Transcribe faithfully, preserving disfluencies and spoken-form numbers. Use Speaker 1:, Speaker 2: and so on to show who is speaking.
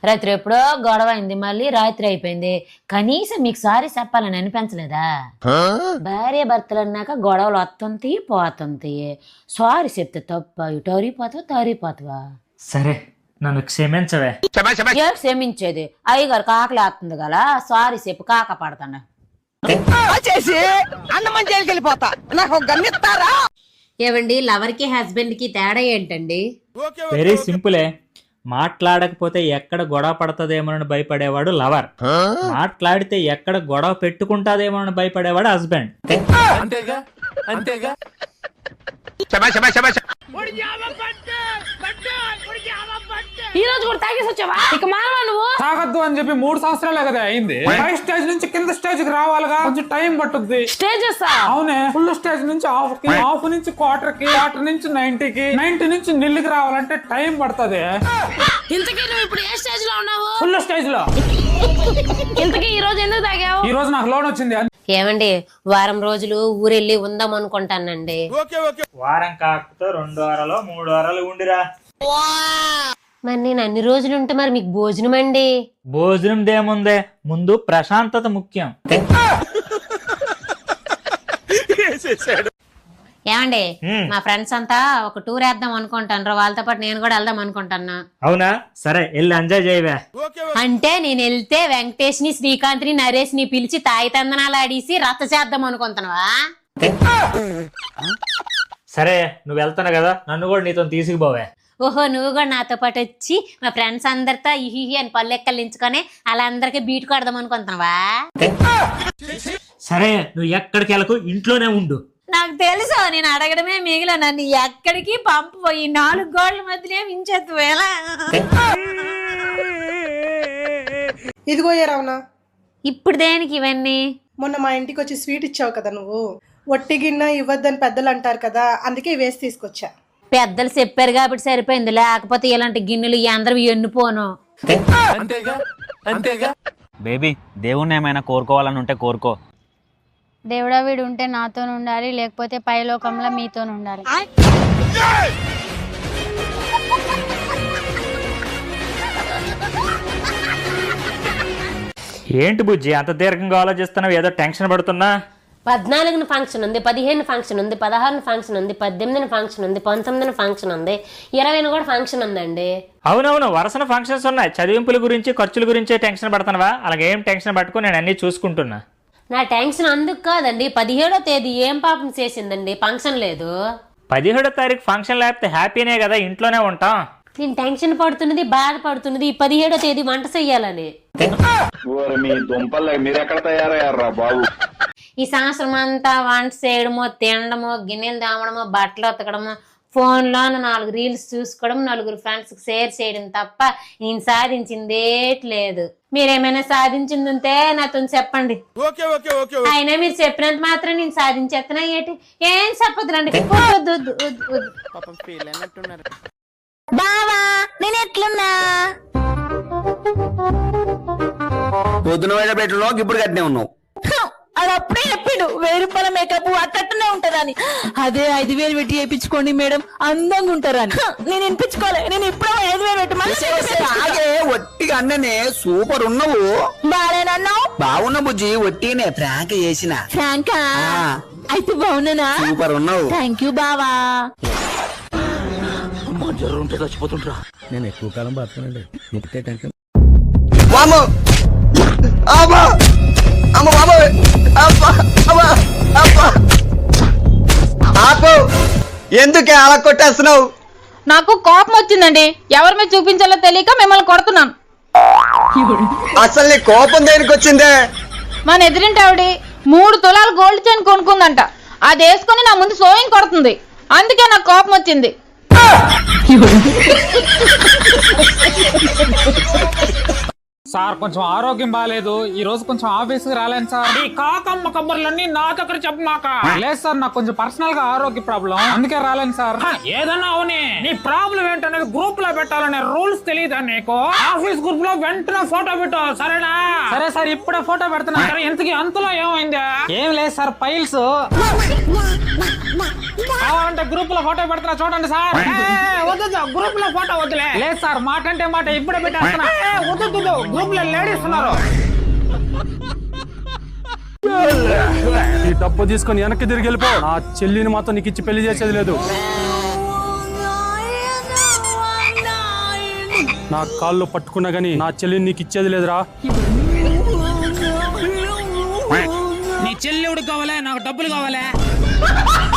Speaker 1: రాత్రి ఎప్పుడో గొడవ అయింది, మళ్ళీ రాత్రి అయిపోయింది. కనీసం మీకు సారీ చెప్పాలని అనిపించలేదా? భార్య భర్తలు అన్నాక గొడవలు వస్తుంటాయి పోతుంటాయి. సారీ చెప్తే తప్ప ఇటు అరిగిపోతావా తరిగిపోతావా?
Speaker 2: సరే నన్ను క్షమించవే.
Speaker 1: ఏ క్షమించేది? అయ్యగారు కాకలే వస్తుంది కదా, సారీ చెప్పు కాక పడతాను
Speaker 3: చేసి అన్నమని జైలుకి వెళ్ళిపోతా. నాకు గన్నిస్తారా?
Speaker 1: ఏవండి, లవర్ కి హస్బెండ్ కి తేడా ఏంటండి?
Speaker 2: వెరీ సింపులే. మాట్లాడకపోతే ఎక్కడ గొడవ పడుతుందేమోనని భయపడేవాడు లవర్, మాట్లాడితే ఎక్కడ గొడవ పెట్టుకుంటాదేమోనని భయపడేవాడు హస్బెండ్.
Speaker 4: అంతేగా అంతేగా.
Speaker 1: ఈ రోజు కూడా తాగేసి వచ్చావా? ఇక మానవా నువ్వు?
Speaker 5: తాగద్దు అని చెప్పి మూడు సంవత్సరాలే కదా అయింది. పై స్టేజ్ నుంచి కింద స్టేజ్ కి రావాలిగా, కొంచెం టైం పట్టుద్ది.
Speaker 1: స్టేజెస్?
Speaker 5: అవునే, ఫుల్ స్టేజ్ నుంచి హాఫ్ కి, హాఫ్ నుంచి క్వార్టర్ కి, క్వార్టర్ నుంచి నైన్టీకి, నైన్టీ నుంచి నిల్లుకి రావాలంటే టైం పడుతుంది.
Speaker 1: ఇంతకీ నువ్వు ఇప్పుడు ఏ స్టేజ్ లో ఉన్నావు?
Speaker 5: ఫుల్ స్టేజ్ లో.
Speaker 1: ఇంతకీ ఈ రోజు ఎందుకు తాగావు?
Speaker 5: ఈ రోజు నాకు లోన్ వచ్చింది.
Speaker 1: ఏమండి, వారం రోజులు ఊరెళ్ళి ఉందాం అనుకుంటానండి.
Speaker 2: వారం కాకపోతే రెండు వారాలు మూడు వారాలు ఉండిరా.
Speaker 1: మరి నేను అన్ని రోజులు ఉంటే మరి మీకు భోజనం అండి?
Speaker 2: భోజనం దేముందే, ముందు ప్రశాంతత ముఖ్యం.
Speaker 1: ఏమండి, మా ఫ్రెండ్స్ అంతా ఒక టూర్ వేద్దాం అనుకుంటాను, వాళ్ళతో పాటు నేను కూడా వెళ్దాం అనుకుంటున్నా.
Speaker 2: అవునా? సరే వెళ్ళి ఎంజాయ్ చేయవే.
Speaker 1: అంటే నేను వెళ్తే వెంకటేష్ ని, శ్రీకాంత్ ని, నరేష్ ని పిలిచి తాయి తందనాలు ఆడేసి రచ్చ చేద్దాం అనుకుంటున్నావా?
Speaker 2: సరే నువ్వు వెళ్తాను కదా, నన్ను కూడా నీతో తీసుకుపోవే.
Speaker 1: ఓహో, నువ్వు కూడా నాతో పాటు వచ్చి మా ఫ్రెండ్స్ అందరితో ఇహి అని పల్లెక్కలించుకొని అలా అందరికి బీట్ కొడదాం అనుకుంటున్నావా?
Speaker 2: సరే నువ్వు ఎక్కడికి వెళ్ళకు, ఇంట్లోనే ఉండు.
Speaker 1: నాకు తెలుసు, నేను అడగడమే మిగిలిన, నన్ను ఎక్కడికి పంపిపోయి నాలుగు గోళ్ల మధ్యనే వించేద్దు. ఎలా
Speaker 6: ఇదిగో ఏ రావునా,
Speaker 1: ఇప్పుడు దేనికి ఇవన్నీ?
Speaker 6: మొన్న మా ఇంటికి వచ్చి స్వీట్ ఇచ్చావు కదా నువ్వు, ఒట్టి గిన్నె ఇవ్వద్దని పెద్దలు అంటారు కదా, అందుకే వేసి తీసుకొచ్చా.
Speaker 1: పెద్దలు చెప్పారు కాబట్టి సరిపోయింది, లేకపోతే ఇలాంటి గిన్నెలు అందరూ ఎన్నుపోను.
Speaker 4: అంతేగా అంతేగా.
Speaker 7: బేబీ, దేవుణ్ణి ఏమైనా కోరుకోవాలని ఉంటే కోరుకో.
Speaker 8: దేవుడా, వీడు ఉంటే నాతో ఉండాలి, లేకపోతే పైలోకంలో మీతో ఉండాలి.
Speaker 2: ఏంటి బుజ్జి అంత దీర్ఘంగా ఆలోచిస్తున్నావు? ఏదో టెన్షన్ పడుతున్నా.
Speaker 1: పద్నాలుగున ఫంక్షన్ ఉంది, పదిహేను ఫంక్షన్ ఉంది, పదహారున ఫంక్షన్ ఉంది, పద్దెనిమిదిన ఫంక్షన్ ఉంది, పంతొమ్మిదిన ఫంక్షన్ ఉంది, ఇరవైన కూడా ఫంక్షన్ ఉందండి.
Speaker 2: అవునవును, వరుసన ఫంక్షన్స్ ఉన్నాయి. చదివింపుల గురించి ఖర్చుల గురించే టెన్షన్ పడుతున్నావా? అలాగే ఏం టెన్షన్ పట్టుకుని నేను అన్ని చూసుకుంటున్నా.
Speaker 1: నా టెన్షన్ అందుకు కాదండి, పదిహేడో తేదీ ఏం పాపం చేసిందండి, ఫంక్షన్ లేదు.
Speaker 2: పదిహేడో తారీఖు ఫంక్షన్ లేకపోతే హ్యాపీనే కదా, ఇంట్లోనే ఉంటాం.
Speaker 1: నేను టెన్షన్ పడుతున్నది, బాధపడుతున్నది ఈ పదిహేడో తేదీ వంట చెయ్యాలని. ఈ సంవత్సరం అంతా వంట చేయడమో, తినడమో, గిన్నెలు దామడమో, బట్టలు ఉతకడమో, ఫోన్లో నాలుగు రీల్స్ చూసుకోవడం, నలుగురు ఫ్రెండ్స్ షేర్ చేయడం తప్ప నేను సాధించిందేట్లేదు. మీరేమైనా సాధించింది ఉంటే నాతో చెప్పండి. అయినా మీరు చెప్పినంత మాత్రం నేను సాధించేస్తున్నా ఏంటి? ఏం చెప్పదులండి.
Speaker 3: బావా, నేను ఎట్లున్నా?
Speaker 7: పొద్దున పెట్టలో ఇప్పుడు కట్టినే ఉన్నావు.
Speaker 3: అది అప్పుడే చెప్పిండు, వెయ్యి రూపాయల మేకప్ అట్టనే ఉంటారని. అదే ఐదు వేలు పెట్టి వేయించుకోండి మేడం, అందంగా ఉంటారని. నేను వినిపించుకోలే, నేను ఇప్పుడు ఐదు వేలు పెట్టి
Speaker 7: ఒట్టిగా అన్ననే సూపర్ ఉన్నావు.
Speaker 3: బాగానేనన్నావు?
Speaker 7: బాగున్నా బుజ్జి, ఒట్టినే ఫ్రాంక్ చేసిన.
Speaker 3: ఫ్రాంకా? అయితే బాగున్నానా?
Speaker 7: సూపర్ ఉన్నావు.
Speaker 3: థ్యాంక్ యూ బావా.
Speaker 4: ఉంటే చచ్చిపోతుంటా.
Speaker 7: నేను ఎక్కువ కాలం బతకనండి.
Speaker 3: ఎందుకే అలా కొట్టేస్తున్నావు?
Speaker 8: నాకు కోపం వచ్చిందండి, ఎవరి మీద చూపించాలో తెలియక మిమ్మల్ని కొడుతున్నాను.
Speaker 3: అసలు నీ కోపం దేనికి వచ్చిందే?
Speaker 8: మన ఎదురింటి ఆవిడ మూడు తులాలు గోల్డ్ చైన్ కొనుక్కుందంట, అది వేసుకుని నా ముందు సోయింగ్ కొడుతుంది, అందుకే నాకు కోపం వచ్చింది.
Speaker 5: సార్ కొంచెం ఆరోగ్యం బాగాలేదు, ఈ రోజు కొంచెం ఆఫీస్ కి రాలేను సార్. ఈ కాకమ్మ కబుర్లన్నీ నా దగ్గర చెప్పమాక. లేదు సార్, నాకు కొంచెం పర్సనల్ గా ఆరోగ్య ప్రాబ్లం, అందుకే రాలేను సార్. ఏదన్నా అవునే, నీ ప్రాబ్లం ఏంటనేది గ్రూప్ లో పెట్టాలనే రూల్స్ తెలియదా నీకు? ఆఫీస్ గ్రూప్ లో వెంటనే ఫోటో పెట్టు, సరేనా? సరే సార్, ఇప్పుడే ఫోటో పెడుతున్నా. ఇంతకీ అంతలో ఏమైందా? ఏం లేదు సార్, ఫైల్స్ కావాలంటే గ్రూప్ లో ఫోటో పెడుతున్నా చూడండి సార్. వద్దు గ్రూప్ లో ఫోటో వద్దులే. లేదు సార్, మాట అంటే మాట ఇప్పుడే పెట్టేస్తున్నా. వద్దు గ్రూప్ లో లేడీస్ ఉన్నారు.
Speaker 9: ఈ డబ్బు తీసుకొని వెనక్కి తిరిగి వెళ్ళిపో. నా చెల్లిని మాత్రం నీకు ఇచ్చి పెళ్లి చేసేది లేదు. నా కాళ్ళు పట్టుకున్నా గానీ నా చెల్లిని నీకు ఇచ్చేది లేదురా.
Speaker 5: నీ చెల్లి కావాలా, నాకు డబ్బులు కావాలా?